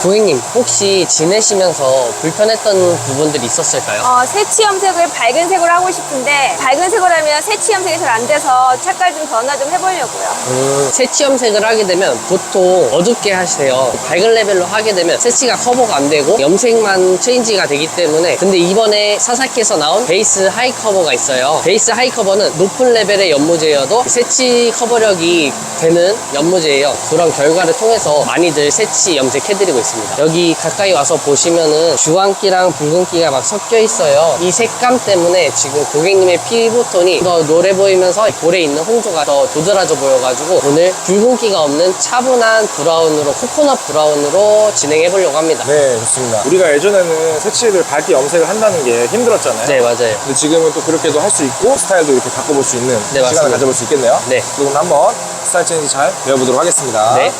고객님, 혹시 지내시면서 불편했던 부분들이 있었을까요? 새치 염색을 밝은 색으로 하고 싶은데 밝은 색으로 하면 새치 염색이 잘 안 돼서 색깔 좀 변화 좀 해보려고요. 새치 염색을 하게 되면 보통 어둡게 하세요. 밝은 레벨로 하게 되면 새치가 커버가 안 되고 염색만 체인지가 되기 때문에. 근데 이번에 사사키에서 나온 베이스 하이 커버가 있어요. 베이스 하이 커버는 높은 레벨의 연모제여도 새치 커버력이 되는 연모제예요. 그런 결과를 통해서 많이들 새치 염색해드리고 있습니다. 여기 가까이 와서 보시면은 주황기랑 붉은기가 막 섞여 있어요. 이 색감 때문에 지금 고객님의 피부톤이 더 노래 보이면서 볼에 있는 홍조가 더 도드라져 보여가지고 오늘 붉은기가 없는 차분한 브라운으로, 코코넛 브라운으로 진행해 보려고 합니다. 네, 좋습니다. 우리가 예전에는 새치를 밝게 염색을 한다는 게 힘들었잖아요. 네, 맞아요. 근데 지금은 또 그렇게도 할 수 있고 스타일도 이렇게 바꿔볼 수 있는 네, 시간을 맞습니다. 가져볼 수 있겠네요. 네. 그럼 한번 스타일 체인지 잘 배워보도록 하겠습니다. 네.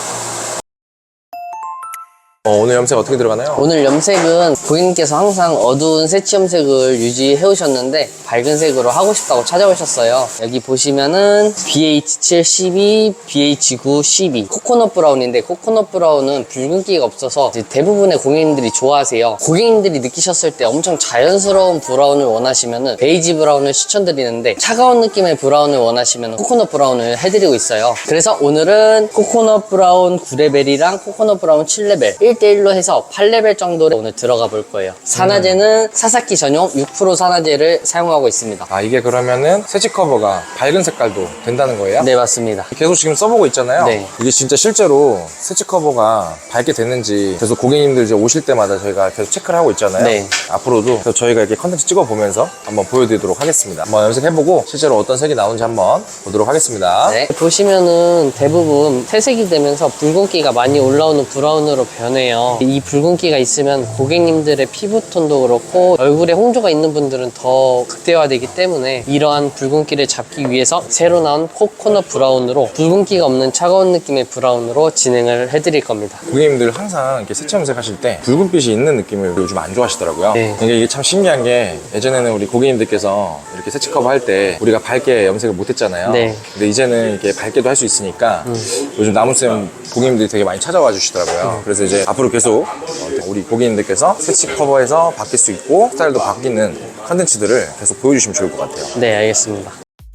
오늘 염색 어떻게 들어가나요? 오늘 염색은 고객님께서 항상 어두운 새치 염색을 유지해 오셨는데 밝은 색으로 하고 싶다고 찾아오셨어요. 여기 보시면은 BH7 12, BH9 12 코코넛 브라운인데, 코코넛 브라운은 붉은기가 없어서 이제 대부분의 고객님들이 좋아하세요. 고객님들이 느끼셨을 때 엄청 자연스러운 브라운을 원하시면은 베이지 브라운을 추천드리는데, 차가운 느낌의 브라운을 원하시면 코코넛 브라운을 해드리고 있어요. 그래서 오늘은 코코넛 브라운 9레벨이랑 코코넛 브라운 7레벨 1대1로 해서 8레벨 정도를 오늘 들어가 볼 거예요. 산화제는 사사키 전용 6% 산화제를 사용하고 있습니다. 아, 이게 그러면은 새치 커버가 밝은 색깔도 된다는 거예요? 네, 맞습니다. 계속 지금 써보고 있잖아요. 네. 이게 진짜 실제로 새치 커버가 밝게 됐는지 계속 고객님들 이제 오실 때마다 저희가 계속 체크를 하고 있잖아요. 네. 앞으로도 계속 저희가 이렇게 컨텐츠 찍어보면서 한번 보여드리도록 하겠습니다. 한번 염색해보고 실제로 어떤 색이 나오는지 한번 보도록 하겠습니다. 네. 보시면은 대부분 회색이 되면서 붉은기가 많이 올라오는 브라운으로 변해요. 이 붉은기가 있으면 고객님들의 피부톤도 그렇고 얼굴에 홍조가 있는 분들은 더 극대화되기 때문에 이러한 붉은기를 잡기 위해서 새로 나온 코코넛 브라운으로 붉은기가 없는 차가운 느낌의 브라운으로 진행을 해드릴 겁니다. 고객님들 항상 이렇게 새치 염색하실 때 붉은빛이 있는 느낌을 요즘 안 좋아하시더라고요. 네. 이게 참 신기한 게 예전에는 우리 고객님들께서 이렇게 새치 커버 할 때 우리가 밝게 염색을 못 했잖아요. 네. 근데 이제는 이렇게 밝게도 할 수 있으니까 요즘 나무쌤 고객님들이 되게 많이 찾아와 주시더라고요. 그래서 이제 앞으로 계속 우리 고객님들께서 새치 커버에서 바뀔 수 있고 스타일도 바뀌는 컨텐츠들을 계속 보여주시면 좋을 것 같아요. 네, 알겠습니다.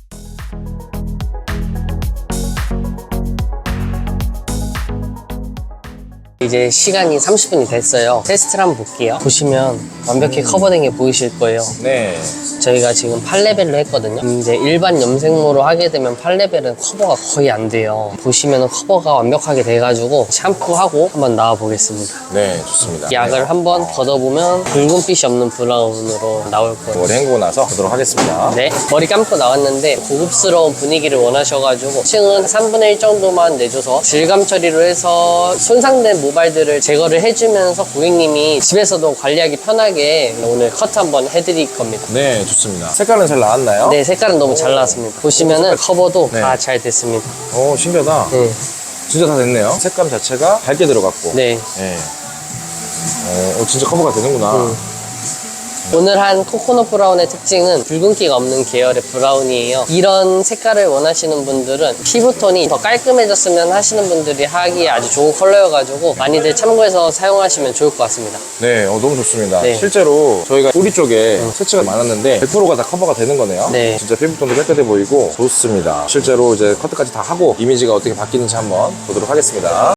이제 시간이 30분이 됐어요. 테스트를 한번 볼게요. 보시면 완벽히 커버된 게 보이실 거예요. 네. 저희가 지금 8레벨로 했거든요. 이제 일반 염색모로 하게 되면 8레벨은 커버가 거의 안 돼요. 보시면 커버가 완벽하게 돼가지고 샴푸하고 한번 나와 보겠습니다. 네, 좋습니다. 약을 한번 걷어보면 붉은빛이 없는 브라운으로 나올 거예요. 머리 헹구고 나서 보도록 하겠습니다. 네, 머리 감고 나왔는데 고급스러운 분위기를 원하셔가지고 층은 3분의 1 정도만 내줘서 질감 처리로 해서 손상된 모발들을 제거를 해주면서 고객님이 집에서도 관리하기 편하게 오늘 커트 한번 해드릴 겁니다. 네, 좋습니다. 색깔은 잘 나왔나요? 네, 색깔은 너무 잘 나왔습니다. 보시면은 커버도 네. 다 잘 됐습니다. 오, 신기하다. 네. 진짜 다 됐네요. 색감 자체가 밝게 들어갔고. 네. 네. 진짜 커버가 되는구나. 오늘 한 코코넛 브라운의 특징은 붉은기가 없는 계열의 브라운이에요. 이런 색깔을 원하시는 분들은 피부톤이 더 깔끔해졌으면 하시는 분들이 하기에 아주 좋은 컬러여가지고 많이들 참고해서 사용하시면 좋을 것 같습니다. 네, 너무 좋습니다. 네. 실제로 저희가 뿌리 쪽에 새치가 많았는데 100%가 다 커버가 되는 거네요. 네. 진짜 피부톤도 깨끗해 보이고 좋습니다. 실제로 이제 커트까지 다 하고 이미지가 어떻게 바뀌는지 한번 보도록 하겠습니다.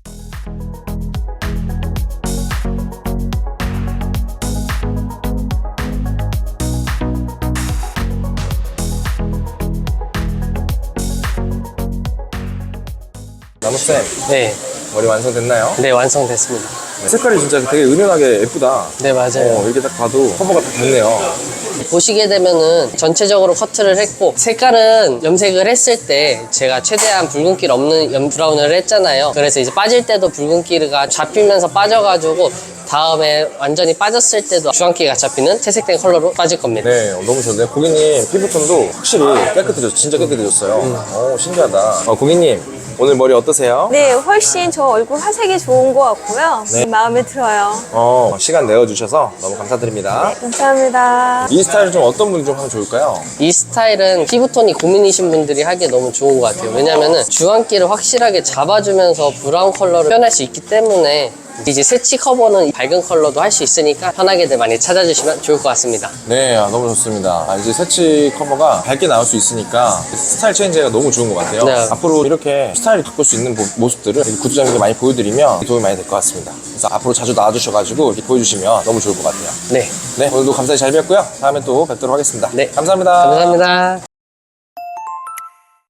나무쌤, 네, 머리 완성됐나요? 네, 완성됐습니다. 네, 색깔이 진짜 되게 은은하게 예쁘다. 네, 맞아요. 이렇게 딱 봐도 커버가 딱 됐네요. 보시게 되면은 전체적으로 커트를 했고, 색깔은 염색을 했을 때 제가 최대한 붉은기를 없는 브라운을 했잖아요. 그래서 이제 빠질 때도 붉은기가 잡히면서 빠져가지고 다음에 완전히 빠졌을 때도 주황기가 잡히는 채색된 컬러로 빠질 겁니다. 네, 너무 좋네요. 고객님 피부톤도 확실히 깨끗해졌어요. 진짜 깨끗해졌어요. 신기하다. 고객님, 오늘 머리 어떠세요? 네, 훨씬 저 얼굴 화색이 좋은 것 같고요. 네. 마음에 들어요. 시간 내어주셔서 너무 감사드립니다. 감사합니다. 이 스타일 좀 어떤 분이 좀 하면 좋을까요? 이 스타일은 피부톤이 고민이신 분들이 하기에 너무 좋은 것 같아요. 왜냐면은 주황기를 확실하게 잡아주면서 브라운 컬러를 표현할 수 있기 때문에 이제 새치 커버는 밝은 컬러도 할 수 있으니까 편하게들 많이 찾아주시면 좋을 것 같습니다. 네, 너무 좋습니다. 이제 새치 커버가 밝게 나올 수 있으니까 스타일 체인지가 너무 좋은 것 같아요. 네. 앞으로 이렇게 스타일을 바꿀 수 있는 모습들을 구독자님께 많이 보여드리면 도움이 많이 될 것 같습니다. 그래서 앞으로 자주 나와주셔가지고 이렇게 보여주시면 너무 좋을 것 같아요. 네. 네, 오늘도 감사히 잘 뵙고요. 다음에 또 뵙도록 하겠습니다. 네. 감사합니다. 감사합니다.